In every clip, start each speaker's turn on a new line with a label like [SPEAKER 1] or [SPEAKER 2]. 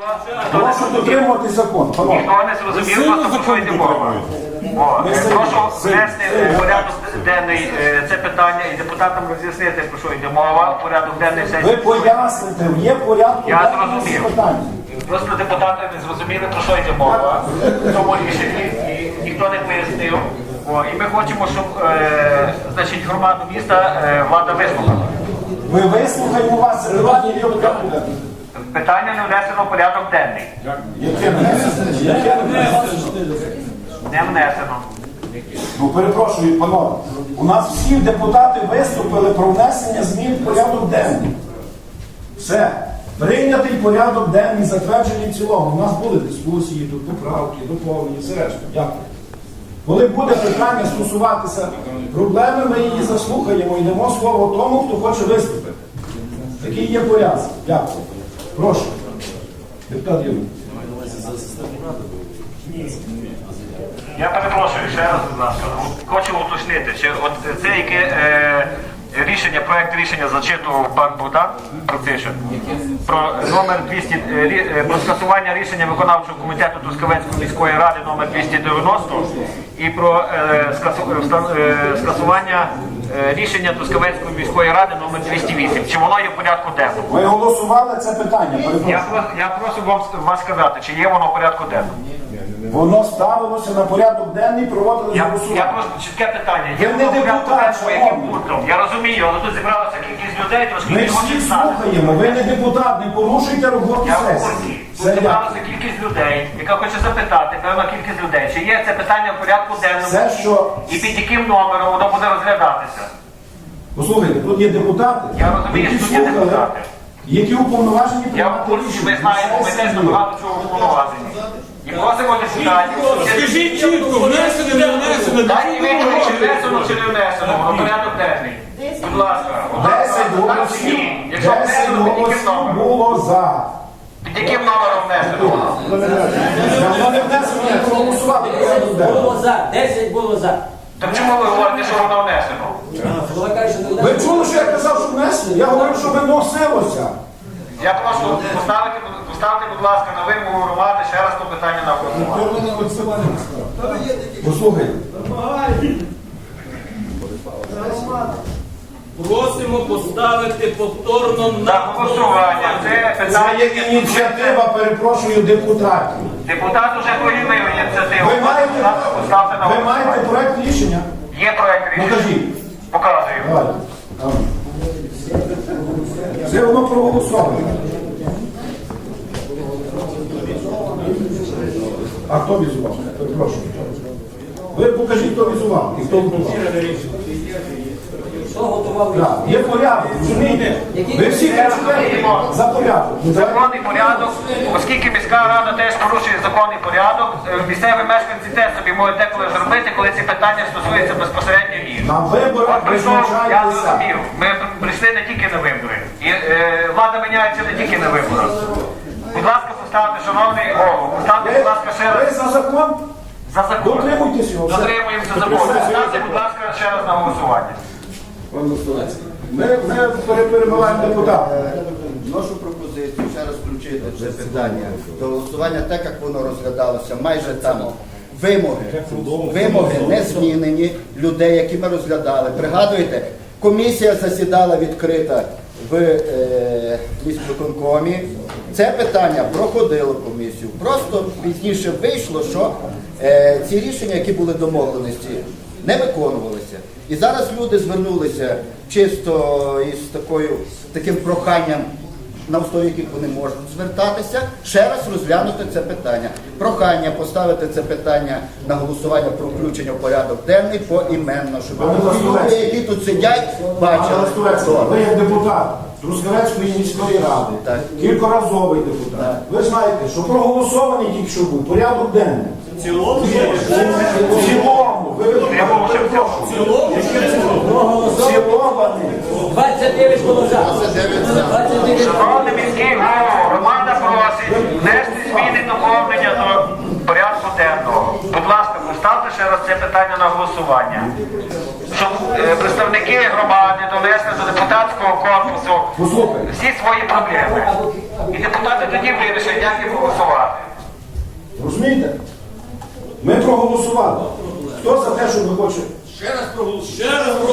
[SPEAKER 1] Прошу дотримувати закон.
[SPEAKER 2] Ніхто не зрозумів, просто про що йде мова. Прошу внести в порядок денний це питання і депутатам роз'яснити, про що йде мова. Порядок денний сесії.
[SPEAKER 1] Ви поясните, є порядок денний питання.
[SPEAKER 2] Просто депутати не зрозуміли, про що йде мова в цьому рішенні, і ніхто не пояснив. І ми хочемо, щоб значить, громаду міста влада вислухала.
[SPEAKER 1] Ми вислухаємо вас, це питання є в порядку денному.
[SPEAKER 2] Питання не внесено в порядок денний.
[SPEAKER 1] Яке внесено? Яке внесено?
[SPEAKER 2] Не внесено.
[SPEAKER 1] Ну, перепрошую, панове, у нас всі депутати виступили про внесення змін в порядок денний. Все. Прийнятий порядок денний, затверджений в цілому. У нас були дискусії, тут поправки, доповнення, все решта. Дякую. Коли буде питання стосуватися проблеми, ми її заслухаємо і дамо слово тому, хто хоче виступити. Такий є порядок. Дякую. Прошу. Депутат Юрій.
[SPEAKER 2] Я перепрошую, ще раз, будь ласка, хочу уточнити, що от це яке рішення, проект рішення зачитував пан Богдан Протишин про номер 200, про скасування рішення виконавчого комітету Трускавецької міської ради номер 290 і про скасування рішення Трускавецької міської ради номер 208. Чи воно є в порядку денному?
[SPEAKER 1] Ви голосували це питання,
[SPEAKER 2] Я прошу вас сказати, чи є воно в порядку денному?
[SPEAKER 1] Воно ставилося на порядок денний, проводили голосування.
[SPEAKER 2] Я просто чітке питання. Є
[SPEAKER 1] Ви не
[SPEAKER 2] воно в порядку
[SPEAKER 1] депутат,
[SPEAKER 2] денному, яким пунктом? Я розумію, але тут зібралася кількість людей, трошки
[SPEAKER 1] Ми
[SPEAKER 2] не
[SPEAKER 1] всі
[SPEAKER 2] хочуть знати.
[SPEAKER 1] слухаємо, ви не депутат, не порушуйте роботу
[SPEAKER 2] Я в
[SPEAKER 1] сесії.
[SPEAKER 2] курсі. Тут
[SPEAKER 1] Це як?
[SPEAKER 2] зібралася кількість людей, яка хоче запитати, певна кількість людей, чи є це питання в порядку денному
[SPEAKER 1] Це що?
[SPEAKER 2] і під яким номером воно буде розглядатися.
[SPEAKER 1] Послухайте, тут є депутати,
[SPEAKER 2] Я розумію,
[SPEAKER 1] які
[SPEAKER 2] що тут є
[SPEAKER 1] слухали,
[SPEAKER 2] депутати.
[SPEAKER 1] які уповноважені
[SPEAKER 2] Я в
[SPEAKER 1] приймати
[SPEAKER 2] курсі,
[SPEAKER 1] рішення.
[SPEAKER 2] ми знаємо, ми теж
[SPEAKER 1] Сесії.
[SPEAKER 2] багато чого уповноважені. І просимо депутатів.
[SPEAKER 3] Скажіть чітко, внесено, не внесено.
[SPEAKER 2] Дайте відповідь, чи внесено, чи не внесено, воно порядок денний. Будь ласка.
[SPEAKER 1] 10 голосів,
[SPEAKER 2] Якщо
[SPEAKER 1] 10
[SPEAKER 2] внесено, під яким
[SPEAKER 1] голосів
[SPEAKER 2] номером?
[SPEAKER 1] було за.
[SPEAKER 2] Під яким номером внесено воно?
[SPEAKER 1] Давно не внесено, не проголосували порядок денний.
[SPEAKER 4] Було за, 10 було за.
[SPEAKER 2] Так чому ви говорите, що воно внесено?
[SPEAKER 4] Голова каже, що не
[SPEAKER 1] Ви чули, що я казав, що внесли? Я говорив, що виносилося.
[SPEAKER 2] Я прошу поставити, будь ласка, на вимогу громади ще раз то питання на голосування.
[SPEAKER 1] Послухайте.
[SPEAKER 3] Просимо поставити повторно
[SPEAKER 2] За
[SPEAKER 3] на
[SPEAKER 2] голосування. Це
[SPEAKER 1] Це
[SPEAKER 2] питання.
[SPEAKER 1] є ініціатива, перепрошую, депутатів.
[SPEAKER 2] Депутат уже проявив ініціативу.
[SPEAKER 1] Ви маєте,
[SPEAKER 2] Поставте на
[SPEAKER 1] ви маєте
[SPEAKER 2] голосування.
[SPEAKER 1] проект рішення?
[SPEAKER 2] Є проект рішення.
[SPEAKER 1] Покажіть.
[SPEAKER 2] Показую.
[SPEAKER 1] Давайте. Це воно проголосовано. А хто візував? Перепрошую. Ви покажіть, хто візував і хто готував.
[SPEAKER 4] Хто готував?
[SPEAKER 1] Так, є порядок, розумієте? Ви всі кажете за порядок.
[SPEAKER 2] Законний порядок, оскільки міська рада теж порушує законний порядок, місцеві мешканці теж собі можуть деколи зробити, коли ці питання стосуються безпосередньо їх.
[SPEAKER 1] На виборах
[SPEAKER 2] От прийшов, я
[SPEAKER 1] призначається.
[SPEAKER 2] зрозумів, ми прийшли не тільки на вибори. І влада міняється не тільки на виборах. Будь ласка, поставте, шановний голову, поставте, будь ласка, ще
[SPEAKER 1] Ви
[SPEAKER 2] раз
[SPEAKER 1] за закон?
[SPEAKER 2] за закон.
[SPEAKER 1] Дотримуйтесь його. Все.
[SPEAKER 2] Дотримуємося закону. Поставте, будь ласка, ще раз на голосування.
[SPEAKER 1] Ми перебуваємо депутата.
[SPEAKER 5] Вношу пропозицію ще раз включити це питання до голосування, так як воно розглядалося, майже там вимоги не змінені людей, які ми розглядали. Пригадуєте, комісія засідала відкрита в міськвиконкомі. Це питання проходило комісію. Просто пізніше вийшло, що ці рішення, які були домовленості, не виконувалися. І зараз люди звернулися чисто із таким проханням, на основі яких вони можуть звертатися, ще раз розглянути це питання. Прохання поставити це питання на голосування про включення в порядок денний поіменно, щоб люди, які тут сидять, бачили.
[SPEAKER 1] Ви як депутат Трускавецької міської ради,
[SPEAKER 5] Так.
[SPEAKER 1] кількоразовий депутат. Ви знаєте, що проголосований тільки що був порядок денний. В цілому? В цілому. Ви цілований.
[SPEAKER 4] 29 було за. 29 за.
[SPEAKER 2] Шановний міський голово, громада просить внести зміни доповнення до порядку денного. Будь ласка, поставте ще зараз це питання на голосування. Щоб представники громади донесли до депутатського корпусу
[SPEAKER 1] Послухай.
[SPEAKER 2] всі свої проблеми. І депутати тоді вирішать, як їм голосувати.
[SPEAKER 1] Розумієте? Ми проголосували. Хто за те, що ви хочете?
[SPEAKER 3] Ще раз проголосуємо.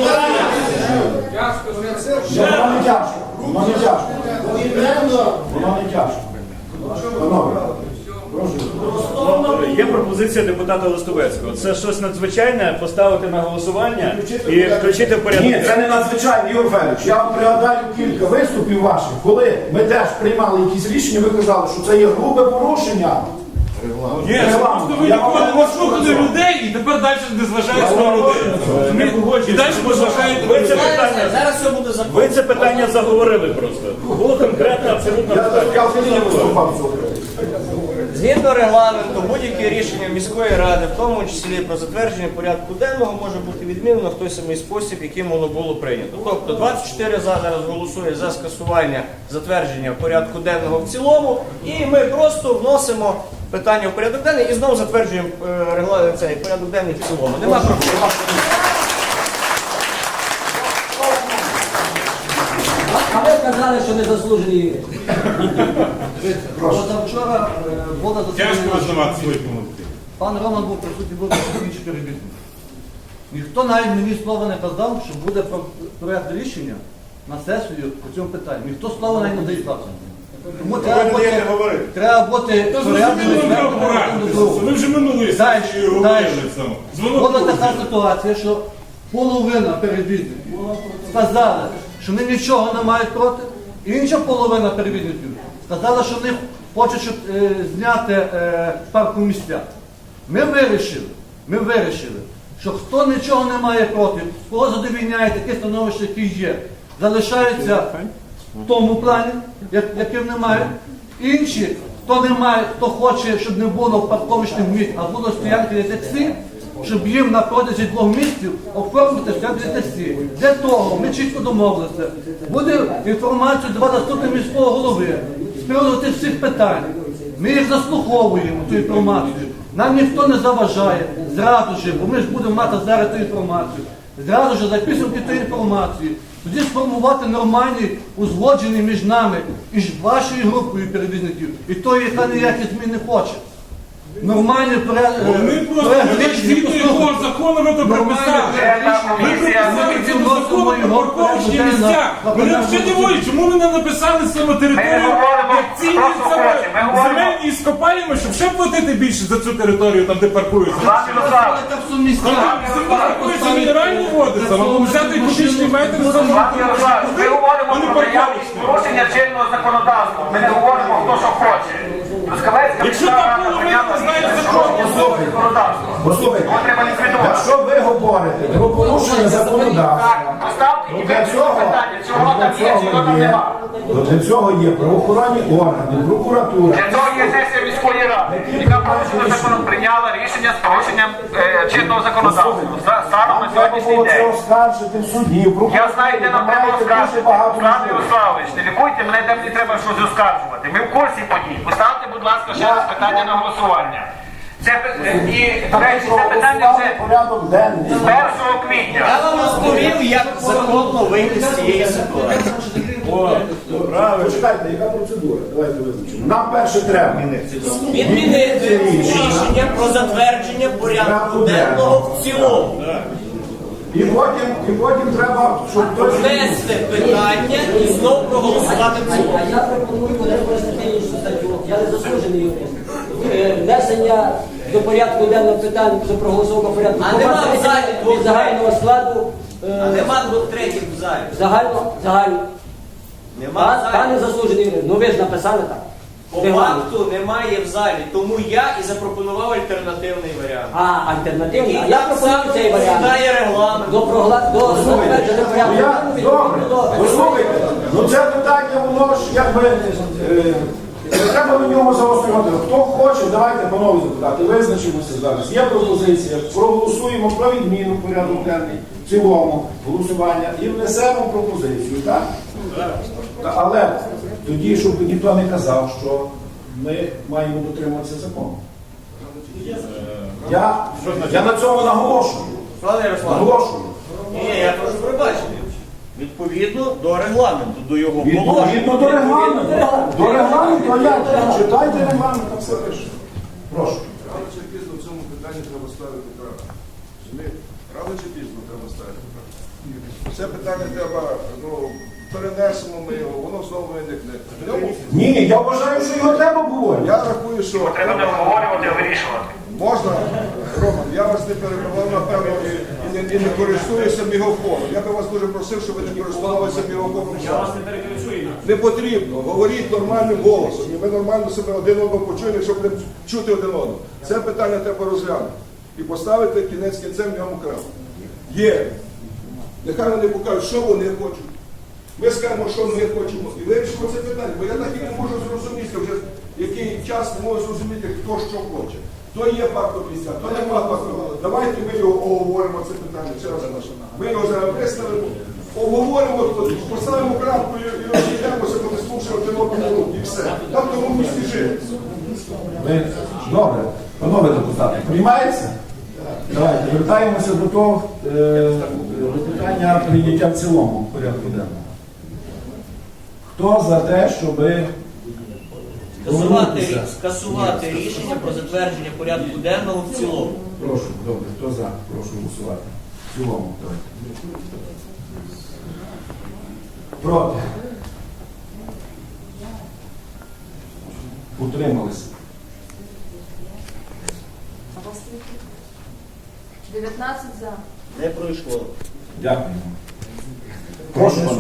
[SPEAKER 1] Воно не тяжко. Воно не тяжко. Воно не тяжко. Панове, прошу.
[SPEAKER 6] Є пропозиція депутата Листовецького. Це щось надзвичайне поставити на голосування і включити в порядок.
[SPEAKER 1] Ні, це не надзвичайно, Ігор Федорович. Я вам пригадаю кілька виступів ваших, коли ми теж приймали якісь рішення, ви казали, що це є грубе порушення.
[SPEAKER 3] Ні, це просто ви ніколи не слухали людей і тепер далі не зважаєте на людей. І далі не зважаєте на
[SPEAKER 6] Ви це
[SPEAKER 3] людей.
[SPEAKER 6] питання,
[SPEAKER 4] Зараз все буде закон.
[SPEAKER 6] ви це питання заговорили просто. Було конкретно абсолютно питання.
[SPEAKER 1] Я взагалі не виступав цього.
[SPEAKER 7] Згідно регламенту, будь-яке рішення міської ради, в тому числі про затвердження порядку денного, може бути відмінено в той самий спосіб, яким воно було прийнято. Тобто 24 за зараз голосує за скасування затвердження порядку денного в цілому, і ми просто вносимо питання в порядок денний і знову затверджуємо цей порядок денний в цілому. Нема проблем.
[SPEAKER 4] А ви казали, що не заслужений юрист.
[SPEAKER 8] Позавчора була
[SPEAKER 3] Тяжко
[SPEAKER 8] засідання.
[SPEAKER 3] визнавати свої помилки.
[SPEAKER 8] Пан Роман був присутній, був інші перебіжники. Ніхто навіть мені слова не казав, що буде проєкт рішення на сесію по цьому питанню. Ніхто слова навіть не доїхав. Тому треба бути
[SPEAKER 3] Та
[SPEAKER 8] порядним і
[SPEAKER 3] зрозуміло, треба
[SPEAKER 8] звернути
[SPEAKER 3] порадитися.
[SPEAKER 8] один до другого.
[SPEAKER 3] Ви вже минулої
[SPEAKER 8] Далі,
[SPEAKER 3] сесії говорили
[SPEAKER 8] далі.
[SPEAKER 3] цьому.
[SPEAKER 8] Була така ситуація, що половина перевізників сказали, що вони нічого не мають проти, і інша половина перевізників сказала, що вони хочуть щоб, зняти парку місця. Ми вирішили, що хто нічого не має проти, кого задовільняє таке становище, яке є, залишаються в тому плані, яким немає. Інші, хто не має, хто хоче, щоб не було парковочних місць, а було стоянки для таксі, щоб їм на протязі 2 місяців оформити стоянки для таксі. Для того ми чітко домовилися. Буде інформацію давати заступник міського голови з приводу тих всіх питань. Ми їх заслуховуємо, цю інформацію. Нам ніхто не заважає. Зразу ж, бо ми ж будемо мати зараз цю інформацію. Зразу ж за підсумки тієї інформації. Тоді сформувати нормальний, узгоджений між нами і вашою групою перевізників, і тої, яка ніякі змін не хоче. Нормальний
[SPEAKER 3] Вони просто згідно якого закону ви то прописали. Ви прописали згідно закону про парковочні місця. Мене вже дивує, чому ви не написали саме територію, як цінні земельні іскопаємо, щоб ще платити більше за цю територію, там де паркуються.
[SPEAKER 2] Пане Ярославе,
[SPEAKER 8] Там всі місця.
[SPEAKER 3] Земля паркується мінеральні води, там взяти кубічний метр за
[SPEAKER 2] Пане Ярославе, ми говоримо про наявність порушення чинного законодавства. Ми не говоримо, хто що хоче. Трускавецька
[SPEAKER 3] Якщо
[SPEAKER 2] міська
[SPEAKER 3] так
[SPEAKER 2] рада
[SPEAKER 3] було, ви
[SPEAKER 2] прийняла
[SPEAKER 3] не знаєте
[SPEAKER 2] рішення
[SPEAKER 3] закону.
[SPEAKER 2] про чинне законодавство.
[SPEAKER 1] Послухайте,
[SPEAKER 2] Його треба ліквідувати.
[SPEAKER 1] якщо ви говорите про порушення законодавства,
[SPEAKER 2] Так, поставте і
[SPEAKER 1] для
[SPEAKER 2] вирішіть
[SPEAKER 1] цього,
[SPEAKER 2] питання, чого там є, чого там нема.
[SPEAKER 1] для цього є правоохоронні органи, прокуратура.
[SPEAKER 2] Для цього є сесія міської ради, яка прийняла рішення з порушенням чинного законодавства. Станом на
[SPEAKER 1] Треба
[SPEAKER 2] сьогоднішній
[SPEAKER 1] було це
[SPEAKER 2] день.
[SPEAKER 1] оскаржити в суді.
[SPEAKER 2] Я знаю, де нам треба оскаржити. Руслан Ярославович, не лікуйте мене, де мені треба щось оскаржувати. Ми в курсі подій. Поставте, будь ласка, ще раз питання на голосування. Це, і, до речі, це питання вже
[SPEAKER 1] порядок денний.
[SPEAKER 2] з 1 квітня.
[SPEAKER 7] Я вам розповів, як законно вийти з цієї ситуації.
[SPEAKER 1] Почекайте, яка процедура? Давайте визначимо. Нам перше треба.
[SPEAKER 7] Відмінити рішення про затвердження порядку денного в цілому.
[SPEAKER 1] І потім треба, щоб хтось...
[SPEAKER 7] Внести питання і знову проголосувати в цілому.
[SPEAKER 4] А я пропоную використати іншу статтю. Я не заслужений юрист. Внесення до порядку денного питань до проголосованого порядку.
[SPEAKER 7] А нема в залі
[SPEAKER 4] від загального складу.
[SPEAKER 7] Нема 2/3 в залі.
[SPEAKER 4] Загально.
[SPEAKER 7] Нема в
[SPEAKER 4] Пане
[SPEAKER 7] залі.
[SPEAKER 4] заслужений юрист, ну ви ж написали так.
[SPEAKER 7] По факту немає в залі, тому я і запропонував альтернативний варіант.
[SPEAKER 4] Альтернативний. А
[SPEAKER 7] Який
[SPEAKER 4] я
[SPEAKER 7] так
[SPEAKER 4] пропоную
[SPEAKER 7] само
[SPEAKER 4] цей варіант.
[SPEAKER 7] відповідає регламенту.
[SPEAKER 4] До затвердження порядку денного
[SPEAKER 1] Добре,
[SPEAKER 4] відповідно до...
[SPEAKER 1] послухайте, ну це питання, воно ж якби... Не треба на ньому заострювати. Хто хоче, давайте, панове депутати, визначимося зараз. Є пропозиція, проголосуємо про відміну порядку денний в цілому голосування і внесемо пропозицію, так? Але тоді, щоб ніхто не казав, що ми маємо дотримуватися закону. Я на цьому наголошую.
[SPEAKER 7] Пане Ярославе,
[SPEAKER 1] Наголошую.
[SPEAKER 7] ні, я прошу пробачити. Відповідно до регламенту, до його положень.
[SPEAKER 1] Відповідно до регламенту. До регламенту, а як? Читайте регламент, там все пише. Прошу.
[SPEAKER 9] Рано чи пізно в цьому питанні треба ставити крапку. Розумієте? Рано чи пізно треба ставити крапку. Це питання треба, перенесемо ми його, воно знову виникне. В ньому
[SPEAKER 1] Ні, я вважаю, що його треба було.
[SPEAKER 9] я рахую, що
[SPEAKER 2] Треба не обговорювати, а вирішувати.
[SPEAKER 9] можна, Роман, я вас не перебував, напевно, і не користуюся мегафоном. Я би вас дуже просив, щоб ви не користувалися мегафоном. Я вас не перекричую. Не потрібно. Говоріть нормальним голосом. І ми нормально себе один одного почуємо, щоб не чути один одного. Це питання треба розглянути. І поставити кінець кінцем в ньому крапку. Є. Нехай вони покажуть, що вони хочуть. Ми скажемо, що ми хочемо, і вирішимо це питання. Бо я так і не можу зрозуміти вже, який час не можу зрозуміти, хто що хоче. То є фактор місця, то нема фактор. Давайте ми його оговоримо, це питання. Ще раз наше. Ми його зараз виставимо, оговоримо, поставимо крапку і розійдемося, бо не слушаємо один одного і все. Там в тому місці жити.
[SPEAKER 1] Добре. Панове депутати, приймається? Давайте, вертаємося до того, до питання прийняття в цілому порядку денного. Хто за те, щоб
[SPEAKER 7] Скасувати рішення про затвердження порядку денного в цілому.
[SPEAKER 1] Прошу, добре, хто за? Прошу голосувати. В цілому, давайте. Проти? Утрималися?
[SPEAKER 10] 19 за.
[SPEAKER 7] Не пройшло.
[SPEAKER 1] Дякую. Прошу, пане.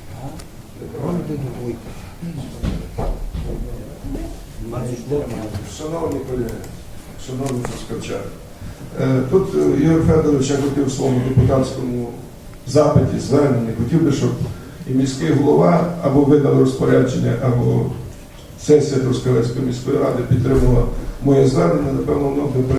[SPEAKER 9] Шановні колеги, шановні споживачі, тут Ігор Федорович, я хотів в своєму депутатському запиті, зверненні, хотів би, щоб і міський голова або видав розпорядження, або сесія Трускавецької міської ради підтримувала моє звернення, напевно, воно би